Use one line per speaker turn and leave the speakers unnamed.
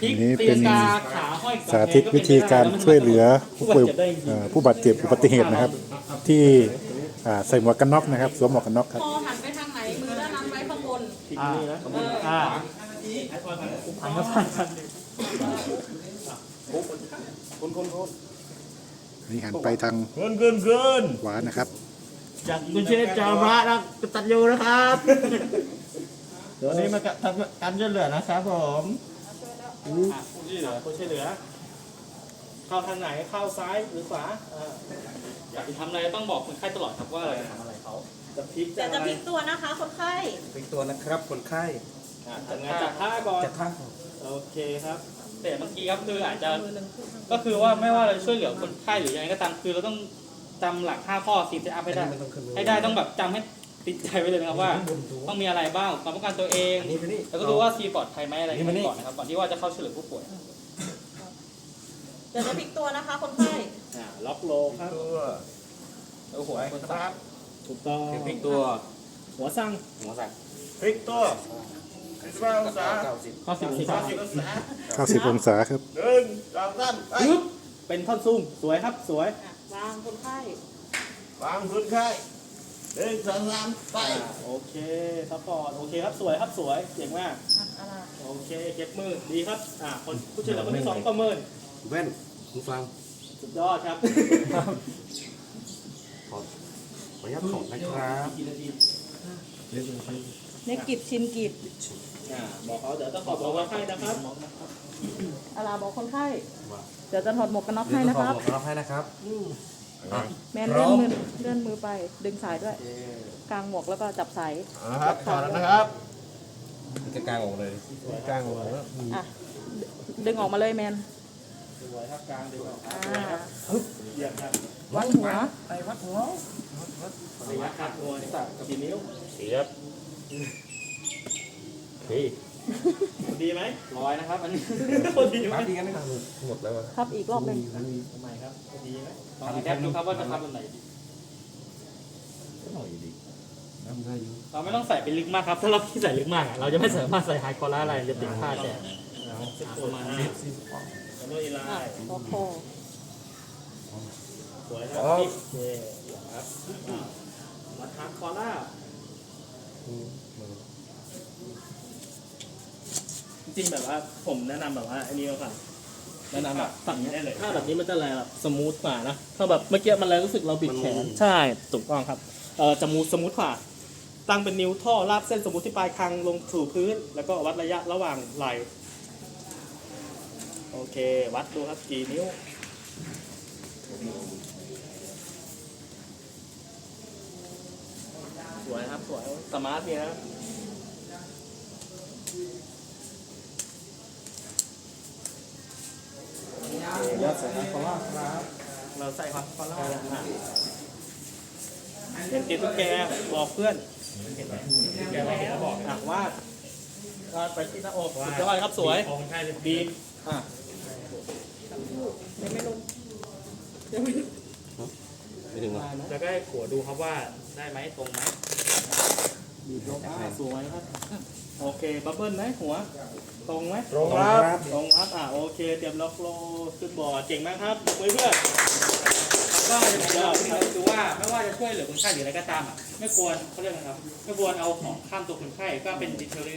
นี้เป็นสาธิตวิธีการช่วยเหลือผู้บาดเจ็บอุบัติเหตุนะครับ ที่ใส่หมวกกันน็อกนะครับสวมหมวกกันน็อกครับ
คอหันไปทางไหนมือด้านนั้นไว้ข้างบน
หันก็ผ่านกัน
นี่หันไปทางขวานะครับ
จากคุณเชฟจาระนะกตัดยูนะครับตัวนี้มาทำการช่วยเหลือนะครับผมคนช่วยเหลือเข้าทางไหนเข้าซ้ายหรือขวา
อยากจะทำอะไรต้องบอกคนไข้ตลอดครับว่าเราจะทำอะไรเขา
จะพลิก
แต่จะพลิกตัวนะคะคนไข้
พลิกตัวนะครับคนไข้
จัดงานจัดท่าก่อน
จัดท่า
โอเคครับ
แต่บางทีครับคืออาจจะก็คือว่าไม่ว่าเราช่วยเหลือคนไข้หรือยังไงก็ตามคือเราต้องจำหลัก5ข้อซีนเซตอัพให้ได้ต้องแบบจำให้ติดใจไว้เลยนะครับว่าต้องมีอะไรบ้างความป้องกันตัวเองแล้วก็ดูว่าซีปลอดภัยไหมอะไรก่อนนะครับก่อนที่ว่าจะเข้าช่วยเหลือผู้ป่วย
เดี๋ยวจะพลิกตัวนะคะคนไข้
ล็อกโลครับ
โอ้โหคนครับ
ถูกต้อง
พลิกตัว
หัวสั่ง
หัวสั่ง
พลิกตัว90 องศา
90 องศาครับ
ปึ๊บเป็นท่อนซุ่มสวยครับสวยว
างคนไข้
วางพื้นไข้1 2 3ไปโอเคซัพพอร์ตโอเคครับสวยครับสวยเก่งมาก
อะไร
โอเคเก็บมือดีครับคนผู้ช่วยเหลือคนที่2ก็มือ
แว่นหูฟัง
สุดยอดครับ
ขออนุญาตถอดนะครับ
เนกิบชินกิบ
บอกเขาเดี๋ยวจะขอบอกว่าให้นะครับ
อะไรบอกคนไข้เดี๋ยวจะถอดหมวกกันน็อกให้นะครับ
ขอรับให้นะครับ
แมนเลื่อนมือไปดึงสายด้วยกางหมวกแล้วก็จับสาย
ครับถอดแล้วนะครับ
จะกลางออกเลยกลางออกเลย
ดึงออกมาเลยแมน
สวยครับกลางดีกว่า เยี่ยมครับ
วัดหัว
ไปวัดหัว
ระยะขาดตัวนี่กับกี่นิ้ว
เสียบเฮ้ย
ดีไหม
100นะครับอันนี้
ดีไหม
มาดีกันไหมหมดแล้ว
ครับอีกรอบหนึ่ง
ทำไมครับดีไหม
ต้องแอปดูครับว่าจะทำแบบไหนดี
ก็หน่อยดีทำได้อยู่
เราไม่ต้องใส่เป็นลึกมากครับถ้าเราที่ใส่ลึกมากเราจะไม่สามารถใส่ไฮคอร์อะไรจะติดพลาดแต่
ประมาณนี้ขอโทษอีไลน์
คอคอ
สวยครับโอเคครับมาทักคอล่าจริงๆแบบว่าผมแนะนำแบบว่าอันนี้ครับแนะนำแบบฝั่งนี้ได้เลยถ้าแบบนี้มันจะอะไรแบบสมูทกว่านะถ้าแบบเมื่อกี้มันเลยรู้สึกเราบิดแขนใช่ถูกต้องครับจะสมูทกว่าตั้งเป็นนิ้วท่อลากเส้นสมูทที่ปลายคางลงสู่พื้น แล้วก็วัดระยะระหว่างไหล่โอเควัดดูครับกี่นิ้วสวยครับสวยสมาร์ทดีนะครับยอดใส่ฮาร์ดคอล่าครับเราใส่ฮาร์ดคอล่าเป็นติดตุ๊กแกบอกเพื่อนแกไม่เห็นแล้วบอกวาดไปที่หน้าอกสุดยอดครับสวยบีบ
ไม่ถึงหรอ
แล้วก็ให้ขัวดูครับว่าได้ไหมตรงไหม
บีบลงสวยครับโอเคบับเบิ้ลไหมหัวตรงไหม
ตรงครับ
ตรงครับโอเคเตรียมล็อกโลขึ้นบอร์ดเก่งมากครับเพื่อน
ก็จะคือว่าไม่ว่าจะช่วยเหลือคนไข้หรืออะไรก็ตามไม่ควรเขาเรียกนะครับไม่ควรเอาของข้ามตัวคนไข้ก็เป็นดีเทล